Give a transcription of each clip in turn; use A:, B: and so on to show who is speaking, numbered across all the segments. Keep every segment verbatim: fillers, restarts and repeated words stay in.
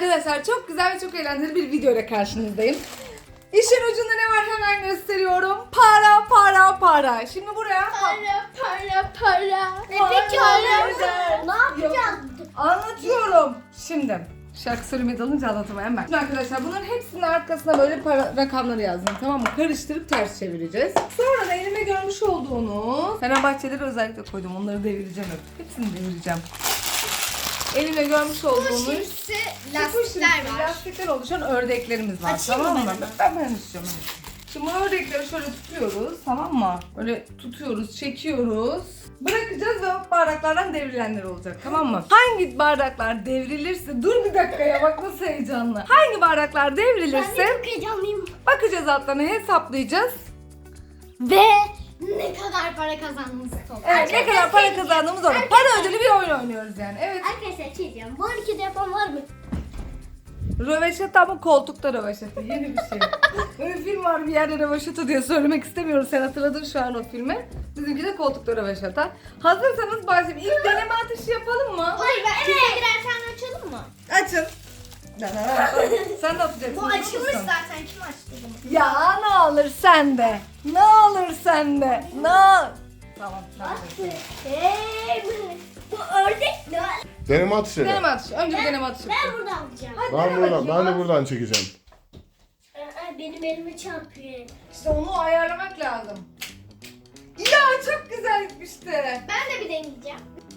A: Arkadaşlar çok güzel ve çok eğlenceli bir video ile karşınızdayım. İşin ucunda ne var hemen gösteriyorum. Para para para. Şimdi buraya
B: Para para para.
A: E peki
B: para. Ne yapacağız?
A: anlatıyorum. Şimdi şarkı söylemeye dalınca anlatamayayım ben. Şimdi arkadaşlar bunların hepsinin arkasına böyle para rakamları yazdım, tamam mı? Karıştırıp ters çevireceğiz. Sonra da elime görmüş olduğunuz Fenerbahçeleri özellikle koydum. Onları devireceğim hep. Hepsini devireceğim. Elime görmüş olduğunuz
B: Hepsi lastikler var.
A: lastikler oluşan ördeklerimiz var.
B: Açayım
A: tamam
B: mı
A: mı?
B: ben?
A: Ben ben açacağım. Evet. Şimdi bu ördekleri şöyle tutuyoruz, tamam mı? Böyle tutuyoruz, çekiyoruz. Bırakacağız ve o bardaklardan devrilenler olacak, tamam mı? Hangi bardaklar devrilirse, dur bir dakika ya bak nasıl heyecanlı. Hangi bardaklar
B: Ben de
A: devrilirse
B: çok heyecanlıyım.
A: bakacağız altlarına, hesaplayacağız.
B: Ve ne kadar para kazandığımızı toplayacağız.
A: Evet, ne kadar para kazandığımız olur. Para ödülü bir oyun oynuyoruz yani. Evet.
B: Arkadaşlar şey diyeceğim. Bu hareketi yapan var mı?
A: Röveşata mı koltukta röveşata? Yeni bir şey. Böyle bir film var bir yerde röveşata diye söylemek istemiyoruz. Sen hatırladın şu an o filmi. Bizimki de koltukta röveşata. Hazırsanız başlayalım. İlk deneme atışı yapalım mı?
B: Hayır ben kime girersen açalım mı?
A: Açın. Sen de atacaksın.
B: Bu
A: hazır
B: açılmış
A: mısın?
B: zaten. Kim açtı bunu?
A: Ya ne olur sen de. Ne olur sen de. Ne olur. Tamam. sen de.
B: Hey, bu ördek ne?
C: Deneme atışı.
A: Deneme atışı. Önce bir deneme atışı.
B: Ben buradan alacağım.
A: Hadi
C: Ben
A: dene
C: buradan,
A: bakayım.
C: ben de buradan çekeceğim.
B: Aa, benim elime çarpıyor.
A: İşte onu ayarlamak lazım. Ya çok güzel gitmişti.
B: Ben de bir deneyeceğim.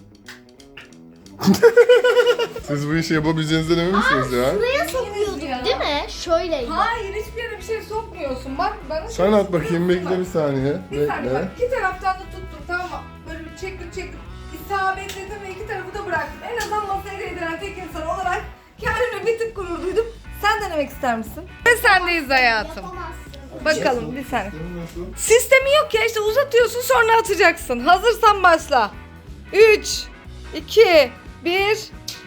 C: Siz bu işi yapabileceğinizden emin misiniz ya?
B: Buraya
A: sokuyorduk,
B: değil mi? Şöyleydi.
A: Hayır, hiçbir yere bir şey sokmuyorsun. Bak bana
C: Sen at bakayım, bekle bir saniye.
A: Bir saniye
C: Bekle.
A: bak, iki taraftan da tuttum, tamam mı? Böyle bir çektim çektim. İsabetledim ve iki tarafı da bıraktım. En azından masaya değdiren tek insan olarak kendimle bir tık gurur duydum. Sen denemek ister misin? Ve sendeyiz hayatım.
B: Yapamazsın.
A: Bakalım bir saniye.
C: Sistemi nasıl?
A: Sistemi yok ya, işte uzatıyorsun sonra atacaksın. Hazırsan başla. üç, iki, bir.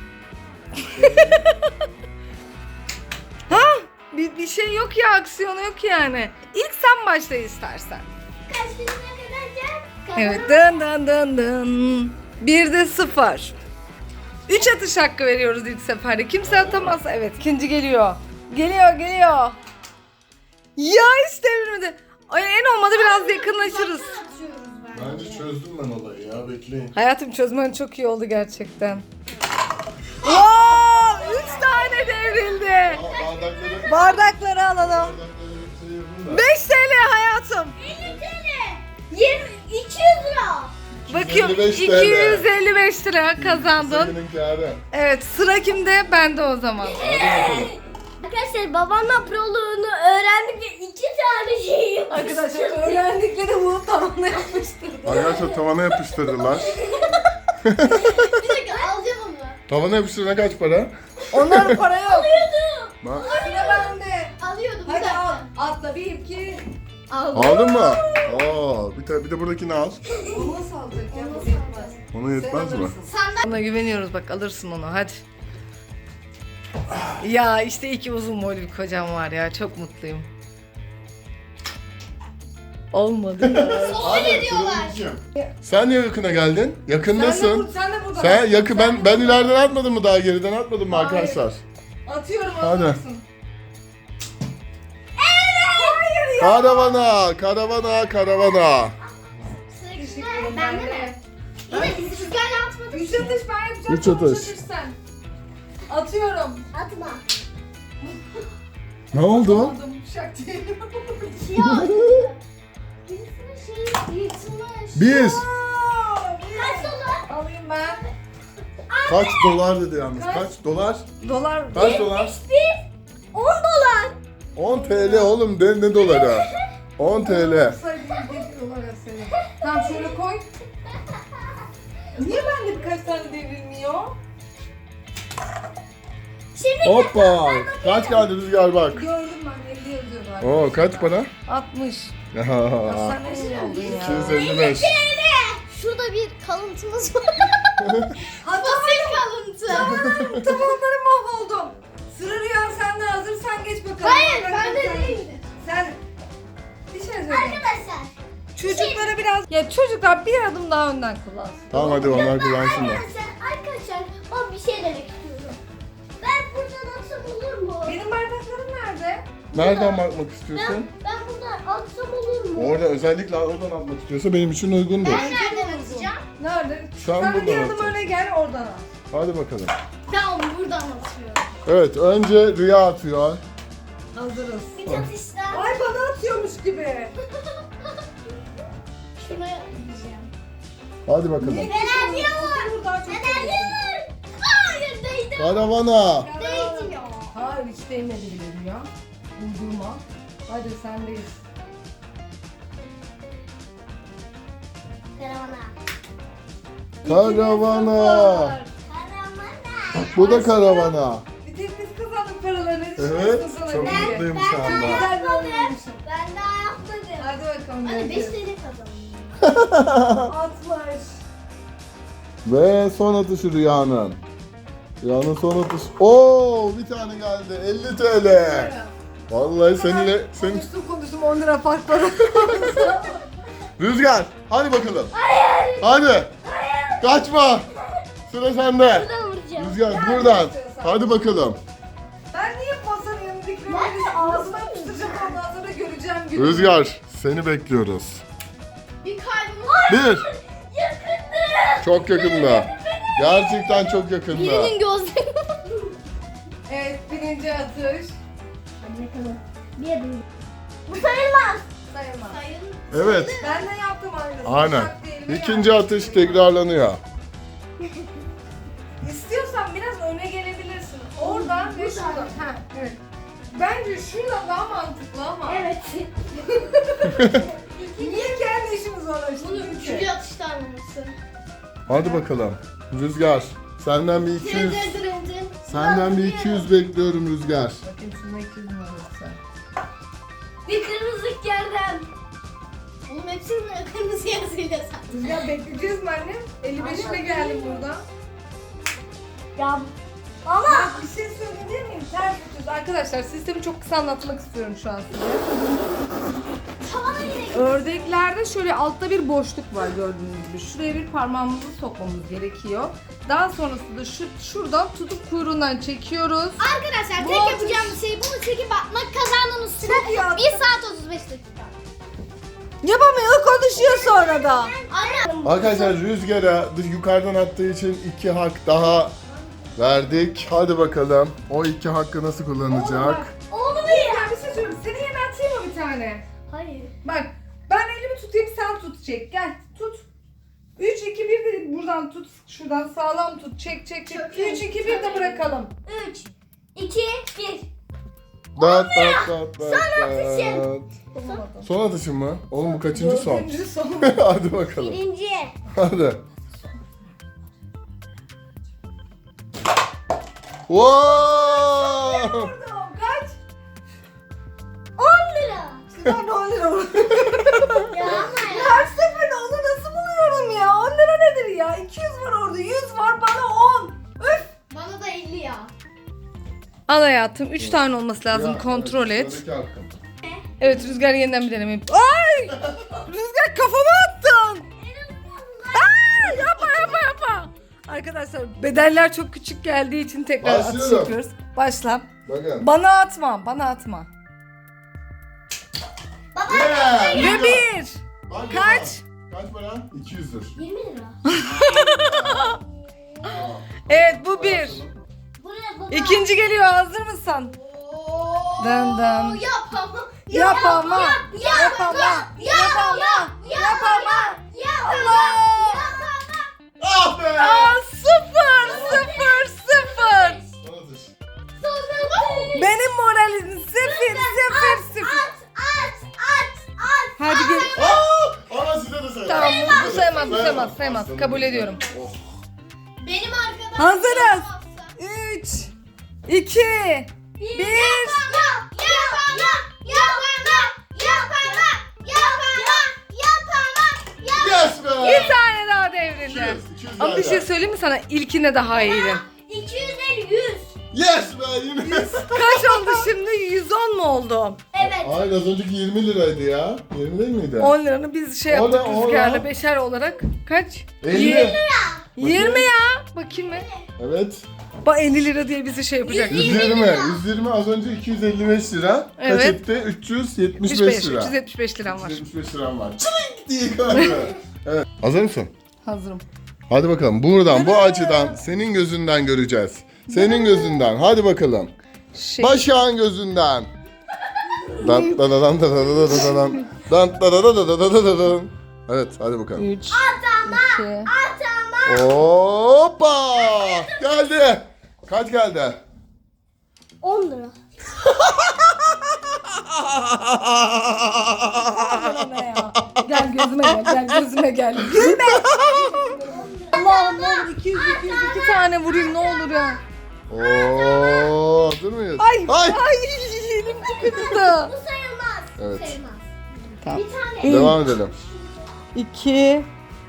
A: Ha? Bir, bir şey yok ya, aksiyonu yok yani. İlk sen başla istersen.
B: Kaç gününe kadar gel?
A: Evet, dın dın dın dın. Bir de sıfır. Üç atış hakkı veriyoruz ilk seferde. Kimse atamazsa, evet. İkinci geliyor. Geliyor, geliyor. Ya işte evrimde. Ay, en olmadı biraz yakınlaşırız.
B: Atıyoruz ben.
C: Bence çözdüm ben olayı ya, bekleyin.
A: Hayatım, çözmen çok iyi oldu gerçekten. Wow, üç tane devrildi.
C: Aa, bardakları...
A: Bardakları alalım.
C: Bardakları bir şey yapın da.
A: beş TL hayatım.
B: elli TL. yirmi, iki yüz lira.
A: Bakayım,
C: iki yüz elli beş
A: iki
C: TL.
A: yüz elli beş lira kazandın.
C: Senin kârı.
A: Evet, sıra kimde? Bende o zaman.
C: Hadi bakalım.
B: Arkadaşlar babamla proluğunu öğrendik ve iki tane şey yapmıştık.
A: Arkadaşlar öğrendikleri bu tavana yapıştırdı.
C: Arkadaşlar tavana yapıştırdılar.
B: Bir dakika alacağım onu.
C: Tavana yapıştırana kaç para?
A: Onların para yok.
B: Alıyordum.
C: Bak.
A: Sıra bende.
B: Alıyordum. bir
A: Hadi
B: dakika.
A: al. Atla bir iki.
B: Aldım.
C: Aldın mı? Oo, bir, de, bir de buradakini al.
A: Onu nasıl alacak ya?
B: Onu
A: Bu
B: nasıl
A: yetmez.
C: Onu yetmez mi?
B: Sandalye.
A: Ona güveniyoruz, bak alırsın onu, hadi. Ya işte iki uzun boylu bir kocam var ya, çok mutluyum. Olmadı ya.
B: Sohbet ediyorlar.
C: kırmızıcığım. Sen niye yakına geldin?
A: Sen de,
C: Yakındasın.
A: bur- sen de burada.
C: Sen
A: bak.
C: yakın, ben
A: Sen
C: ben
A: de
C: ileriden atmadım mı, daha geriden atmadım mı
A: Hayır.
C: arkadaşlar?
A: Atıyorum,
C: Hadi.
A: atırsın.
C: Karavana, karavana, karavana.
B: Sıra
A: Teşekkür
B: kimde?
A: ederim,
B: Bende
A: bende.
B: mi? Yine biz rüzgarla atmadık.
A: Üç atış ben yapacağım.
C: Üç
A: çok
C: atış.
A: sen. Atıyorum.
B: Atma.
C: Ne oldu?
A: Aldım. Şak diye.
B: Ya. Birisinin şeyi yırtılmış.
C: Biz.
B: Kaç dolar?
A: Alayım ben.
C: Kaç dolar dedi yalnız.
A: Kaç?
C: Kaç dolar?
A: Dolar.
C: Kaç dolar?
B: on dolar.
C: on T L oğlum, de ne doları? on T L.
A: Sayı bir dolar aslında. Tamam, şöyle koy. Niye bende birkaç tane devrilmiyor?
B: Şimdi
C: Hoppa. Kaç geldi Rüzgar bak.
A: Gördüm ben, elli yazıyorlar.
C: Oo, kaç para?
A: altmış. Ya
C: Aha.
A: sen ne iyi oldun
C: iki yüz
A: ya.
C: elli beş.
B: şurada bir kalıntımız var.
A: Hatta
B: Fosil kalıntı.
A: tabanları mahvoldum. Sıra Rüya, sen de hazırsan geç bakalım.
B: Hayır
A: Bak,
B: bende
A: sen-
B: değildi.
A: Sen bir şey söyleyeyim.
B: Arkadaşlar.
A: Çocuklara biraz... Ya çocuklar bir adım daha önden kullansın.
C: Tamam hadi onlar kullansınlar.
B: Arkadaşlar, arkadaşlar ben bir şey demek istiyorum. Ben burada nasıl olur mu?
A: Benim bardaklarım nerede?
C: Nereden bakmak
B: Ben,
C: istiyorsun?
B: ben buradan atsam olur mu?
C: Orada özellikle oradan atmak istiyorsa benim için uygundur.
B: Ben nereden atacağım?
A: Nerede?
C: Sen
A: Sen bir
C: buradan
A: adım
C: atacaksın.
A: öne gel oradan at.
C: Hadi bakalım.
B: Tamam buradan atıyorum.
C: Evet, önce Rüya atıyor.
A: Hazırız.
B: Bir atışta
A: Ay bana atıyormuş gibi.
B: şuna yapacağım.
C: Hadi bakalım.
B: Belediye var.
A: Buradan çok
B: Belediye var. Hayır değdi.
C: Karavana.
B: Değdi ya.
A: Hayır hiç değmedi bile Rüya. Uydurma. Hadi sendeyiz.
B: Karavana.
C: Karavana.
B: Karavana.
C: Bu da karavana.
A: Bir tek biz kazandık paralarını. Ne
C: Evet,
A: düşünüyorsun sana
C: çok
A: diye?
C: mutluyum şu anda.
A: Güzel bir oynamışsın.
B: Ben daha yapmadım.
A: Hadi bakalım.
B: Hadi beş
A: göreceğiz.
B: T L kazandım.
A: altmış.
C: Ve son atışı Rüya'nın. Rüya'nın son atışı. Oo, bir tane geldi. elli T L. Vallahi seninle sen
A: Konuştum konuştum on lira fark var.
C: Rüzgar. Hadi bakalım. Hadi. Kaçma. Sıra sende.
B: Buradan vuracağım.
C: Rüzgar buradan. Hadi bakalım.
A: Ben niye masanın yanındakileri birisi ağzına yapıştıracağım ondan sonra göreceğim günü.
C: Rüzgar seni bekliyoruz.
B: Bir kalbim var.
C: Bir.
B: Yakındı.
C: Çok yakında. Gerçekten çok yakında.
B: Birinin gözleri.
A: Evet birinci atış.
B: Hadi bakalım. Bir adım. Bu sayılmaz.
A: Sayılmaz.
B: Sayılmaz.
C: Evet.
A: Ben de yaptım aynısını.
C: Aynen.
A: Şak diye elime
C: İkinci
A: geldi.
C: atış tekrarlanıyor.
A: İstiyorsan biraz öne gelebilirsin. Oradan ve şuradan. Ha, evet. Bence şuradan daha mantıklı ama.
B: Evet.
A: Niye kendi işimi zorlaştırdın
B: Bunu
A: ki?
B: üçüncü atışta anlaması.
C: Hadi bakalım. Rüzgar. Senden bir iki yüz.
B: Dın dın dın dın.
C: Senden bir iki yüz bekliyorum Rüzgar.
A: Bakayım şunda iki yüz numarası.
B: Bir kırmızı yerden. Oğlum hepsini kırmızı yazıyla sattım.
A: Rüzgar bekleyeceğiz mi annem? elli beş ile geldim buradan.
B: Ya ama
A: Bak bir şey söyleyebilir miyim? Ters tutuyoruz. Arkadaşlar sistemi çok kısa anlatmak istiyorum şu an size.
B: tavana yine
A: Ördeklerde şöyle altta bir boşluk var gördüğünüz gibi. Şuraya bir parmağımızı sokmamız gerekiyor. Daha sonrasında şu şuradan tutup kuyruğundan çekiyoruz.
B: Arkadaşlar
A: Bu
B: tek
A: atış-
B: yapacağım şey bunu çekip atmak kazandığınız süre
A: Çok iyi attın.
B: bir saat otuz beş dakika.
A: Yapamıyor, konuşuyor sonra da.
B: Anne.
C: Arkadaşlar Rüzgar'a yukarıdan attığı için iki hak daha verdik. Hadi bakalım. O iki hakkı nasıl kullanacak?
B: Oğlum
A: İyi
B: ya.
A: ya bir şey söyleyeyim. Senin yerine atayım mı bir tane?
B: Hayır.
A: Bak ben elimi tutayım sen tut çek. Gel tut. üç iki bir de buradan tut. Şuradan sağlam tut. Çek çek çek.
B: Çok iyi.
A: üç iki bir de bırakalım.
B: üç, iki, bir.
C: Dat dat dat dat.
B: Son atışım.
C: dat. Son atışın mı? Oğlum bu kaçıncı son?
A: Dördüncü son.
C: Hadi bakalım.
B: Birinci.
C: Hadi. Wow!
A: Tamam kaç?
B: on lira.
A: Sizden on lira olur.
B: Ya ama ya.
A: Her seferinde onu nasıl buluyorum ya? on lira nedir ya? iki yüz var orada, yüz var bana on. Üf!
B: Bana da elli ya.
A: Al hayatım, üç tane olması lazım.
C: Ya,
A: Kontrol
C: evet,
A: et.
C: sıradaki hakkım.
A: Evet Rüzgar yeniden bir deneme. Ay! Rüzgar kafama attın. Aa, yapma yapma yapma. Arkadaşlar bedeller çok küçük geldiği için tekrar atış
C: Başlıyorum.
A: yapıyoruz. Başla.
C: Bakın.
A: Bana atma, bana atma.
C: Yeah!
A: Ve bir.
C: Bak
A: Kaç?
C: ya. Kaç para? iki yüzdür.
B: yirmi lira.
C: Tamam.
A: Evet bu bir.
B: Bu ne baba?
A: İkinci geliyor, hazır mısın?
B: Oo,
A: Dın dın.
B: Yapama.
A: Yapama.
B: Yap, yap,
A: Yapama.
B: yap,
A: Yapama.
B: Yapama.
A: Allah.
B: Yapama.
C: Ah be!
A: Aa, sıfır, sıfır, sıfır.
C: Son atış.
B: Sonra
A: Benim moralim sıfır, sıfır, sıfır.
B: at, at, at, at.
A: Hadi gel.
C: Aa! Ama size de sayar.
A: Tamam, bu
C: Size de.
A: sayılmaz, bu sayılmaz, sayılmaz.
C: Aslanım
A: Kabul
C: benim.
A: ediyorum.
C: Oh.
B: Benim arkadaşım.
A: Hazırız. Üç, iki,
B: Bir.
A: bir.
B: Yapama. Yapama. Yapama. Yapama. Yapama. Yapama.
C: Yes be!
A: Bir tane daha devrildi.
C: iki yüz, iki yüz
A: Ama bir şey
C: zaten.
A: söyleyeyim mi sana? İlkine daha iyiydim.
B: iki yüz elli, yüz.
C: Yes be! Yine.
A: Kaç oldu şimdi? yüz on mu oldu?
B: Evet.
C: Hayır az önceki yirmi liraydı ya. yirmi değil miydi?
A: on liranı biz şey
C: O
A: yaptık
C: da, o
A: Rüzgar'la
C: da.
A: beşer olarak. Kaç?
C: elli.
A: Yirmi. yirmi ya. bakayım mı?
C: Evet.
A: Bak elli lira diye bizi şey yapacak.
C: yüz yirmi. yüz yirmi az önce iki yüz elli beş lira.
A: Evet.
C: Kaç etti? üç yüz yetmiş
A: üç yüz
C: beş lira.
A: üç yüz yetmiş beş liram var.
C: üç yüz yetmiş beş liram var. Çılink diye kaldı. Evet. Hazır mısın?
A: Hazırım.
C: Hadi bakalım buradan bu açıdan senin gözünden göreceğiz. Senin gözünden. Hadi bakalım.
A: Şey,
C: Başak'ın gözünden. Dan dan dan dan dan dan dan dan dan dan dan dan dan. Evet hadi bakalım.
A: üç, iki,
C: Hoppa! Geldi. Kaç geldi?
B: on lira.
A: ne ya? Gel gözüme gel, gel gözüme gel. Gülme. Allah'ım ne olur iki yüz iki yüz iki tane vurayım ne olur ya.
C: Oo, hazır mıyız?
A: Ay, ay,
C: Ay.
A: elim tıkıdı.
B: Bu sayılmaz.
C: Evet.
B: Bu sayılmaz.
A: Tamam.
B: Bir tane.
C: Devam edelim.
A: iki.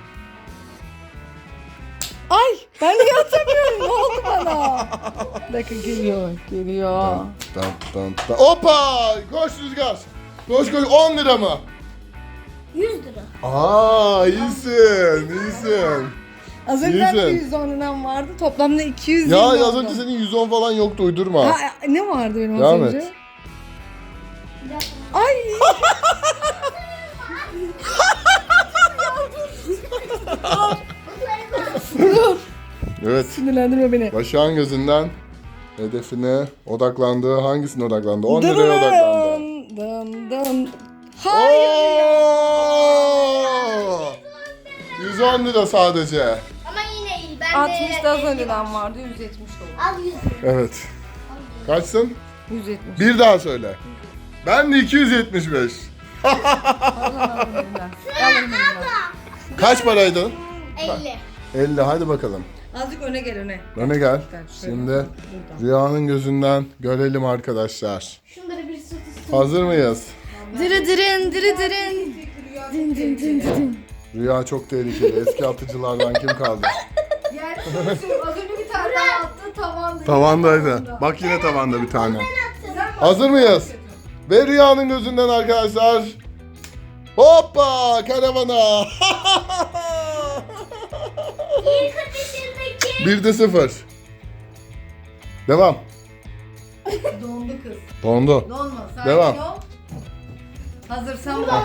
A: Ay, ben niye atamıyorum? Ne oldu bana? Bir dakika geliyor, geliyor.
C: Dan, dan, dan. Hoppa! Koş Rüzgar. Koş koş on lira mı?
B: yüz lira.
C: Aa iyisin, iyisin.
A: Az önce ben
C: İyisin.
A: yüz on liram vardı. Toplamda iki yüz yirmi
C: Ya
A: oldu.
C: az önce senin yüz on falan yoktu uydurma.
A: Ha, ne vardı benim az
C: Devam
A: önce?
C: et.
B: Bir dakika.
A: Ay! Dur.
C: Evet.
A: Sinirlendirme beni.
C: Başak'ın gözünden hedefine odaklandı. Hangisine odaklandı? on liraya odaklandı.
A: Dın dın dın. Hayır.
C: Oo! yüz on lira sadece.
B: Ama yine iyi. Ben de
A: altmış da az
B: elli
A: önceden
B: var.
A: vardı. yüz yetmiş oldu.
B: Al yüz lira.
C: Evet. Kaçsın?
A: yüz yetmiş.
C: Bir daha söyle. Ben de iki yüz yetmiş beş.
A: Alın alın elimden. Alın elimden.
C: Kaç paraydı?
B: elli.
C: elli hadi bakalım.
A: Azıcık öne gel öne.
C: Öne gel.
A: Şöyle.
C: Şimdi
A: Buradan.
C: Rüya'nın gözünden görelim arkadaşlar.
B: Şunları bir tutsun.
C: Hazır mıyız?
B: Dırı dırın dırı dırın. Dın dın dın dın.
C: Rüya çok tehlikeli. Eski atıcılardan kim kaldı?
A: Yani konuşuyorum. Az önce bir tane daha attı tavanda.
C: Tavandaydı. Bak yine tavanda bir tane. Hazır mıyız? Ve Rüya'nın gözünden arkadaşlar. Hoppa karavana.
B: İlk ateşindeki.
C: Bir de sıfır. Devam.
A: Dondu kız.
C: Dondu.
A: Donma. Sakin
C: Devam.
A: ol. Hazırsan bak.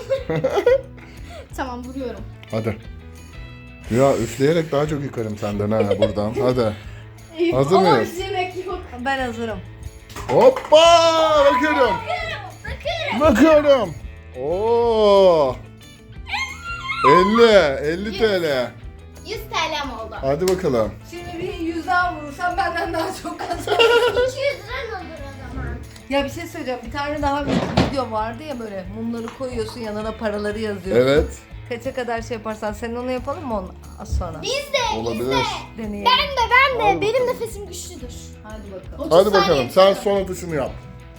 B: Tamam vuruyorum.
C: Hadi. Rüya üfleyerek daha çok yıkarım senden ha buradan. Hadi. Hazır
B: Ama
C: mıyız?
B: yemek yok.
A: Ben hazırım.
C: Hoppa! Bakıyorum.
B: Bakıyorum.
C: Bakıyorum. Oo! elli. elli TL.
B: yüz T L'm oldu.
C: Hadi bakalım.
A: Şimdi bir yüz daha vurursan benden daha çok kazanırsın.
B: iki yüz lira mı olur o zaman?
A: Ya bir şey söyleyeceğim. Bir tane daha bir video vardı ya böyle mumları koyuyorsun yanına paraları yazıyorsun.
C: Evet.
A: Kaça kadar şey yaparsan sen onu yapalım mı onu az sonra?
B: Biz de.
C: Olabilir.
A: Deneyelim.
B: Ben de ben de.
C: Al
B: Benim
C: bakalım.
B: nefesim güçlüdür.
A: Hadi bakalım.
B: otuz
C: Hadi
B: saniye
C: bakalım. Sen
B: tutuyorum.
C: son atışını yap.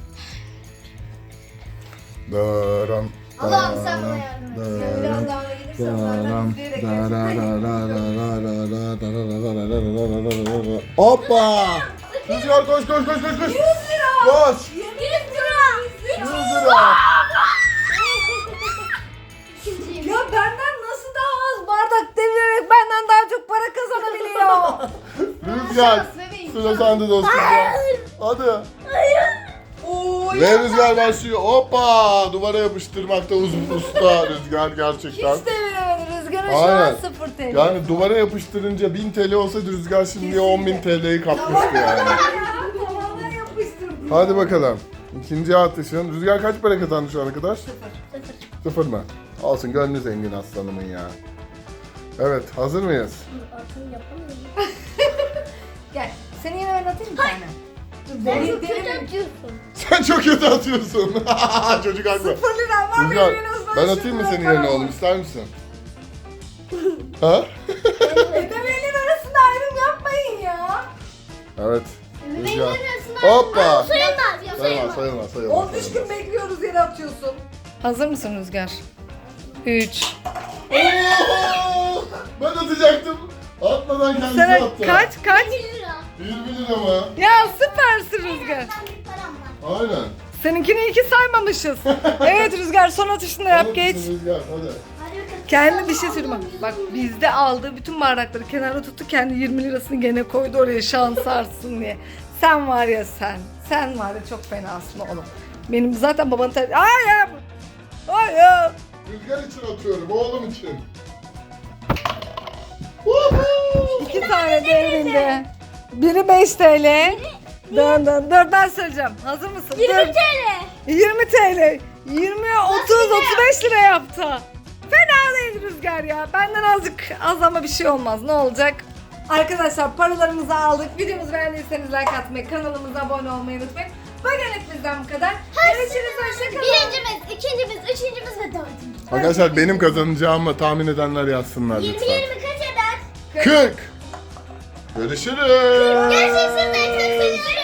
C: Daram.
B: Allah'ım sen bana yardım et.
A: Ya biraz daha öne gelirsen zaten izleyerek gerçekten.
C: Hoppa! Rüzgar koş koş koş koş koş. yüz lira. Koş.
B: yüz lira.
C: yüz lira.
B: İkinciyim.
A: Ya benden nasıl daha az bardak devirerek benden daha çok para kazanabiliyor?
C: Rüzgar.
B: Şans bebeğim,
C: Sıra
B: şans.
C: sende dostum ya. Hadi.
A: Oo,
C: Ve Rüzgar başlıyor. Hoppa! Duvara yapıştırmakta uzun usta Rüzgar gerçekten.
A: hiç deviremedi Rüzgar'ın şu
C: Aynen.
A: an sıfır T L.
C: Yani duvara yapıştırınca bin TL olsaydı Rüzgar şimdi on bin T L'yi kapmıştı yani.
A: Tamamen yapıştırdım.
C: Hadi bakalım. İkinci atışın. Rüzgar kaç para kazandı şu ana kadar?
B: Sıfır.
C: Sıfır mı? Olsun gönlü zengin aslanımın ya. Evet hazır mıyız?
B: Atın yapamıyorum.
A: Gel. Seni yine oynatayım bir tane. Dur,
B: Sen
A: deri-
B: çok
A: deri-
B: kötü atıyorsun.
C: Sen çok kötü atıyorsun. Çocuk haklı.
A: Sıfır liram var
C: Rüzgar
A: benim en azından.
C: ben atayım mı senin yerine oğlum ister misin? Ha?
A: Ebeveynlerin arasında ayrım yapmayın ya.
C: Evet.
B: Benim
C: Rüzgar.
B: arasında.
C: Hoppa.
B: Aa, sayılmaz. Ya
C: Sayılmaz
B: sayılmaz.
C: sayılmaz sayılmaz.
A: on üç gün bekliyoruz yere atıyorsun. Hazır mısın Rüzgar? üç.
C: Oo! Ben atacaktım. Atmadan kendisi
A: Sana
C: attı.
A: kaç kaç?
B: bir lira.
C: Bir lira mı?
A: Ya süpersin Rüzgar.
B: Ben bir param var.
C: Aynen.
A: Seninkini iki saymamışız. Evet Rüzgar son atışını da yap
C: Alır
A: geç.
C: mısın Rüzgar? Hadi.
B: Hadi bakalım.
A: Kendi bir şey söyleyeyim. Bak, bak bizde aldığı bütün bardakları kenara tuttu. Kendi yirmi lirasını gene koydu oraya şans artsın diye. Sen var ya sen. Sen var ya çok fenasın oğlum. Benim zaten babanın ter... Hayır. Hayır.
C: Rüzgar için atıyorum, oğlum için.
A: İki tane devrildi. Biri beş T L. Dön dön dur ben söyleyeceğim. Hazır mısın?
B: yirmi
A: Dur.
B: T L.
A: yirmi T L. yirmi, otuz, otuz beş lira yaptı. Fena değil Rüzgar ya. Benden azıcık az ama bir şey olmaz. Ne olacak? Arkadaşlar paralarımızı aldık. Videomuzu beğendiyseniz like atmayı, kanalımıza abone olmayı unutmayın. Bugünlük bizden bu kadar. Görüşürüz. Hoşçakalın.
B: Birincimiz, ikincimiz, üçüncümüz ve dördüncümüz.
C: Arkadaşlar benim kazanacağımı tahmin edenler yazsınlar
B: yirmi
C: lütfen.
B: yirmi kaç eder?
C: kırk. Görüşürüz.
B: Gerçekten çok seviyorum.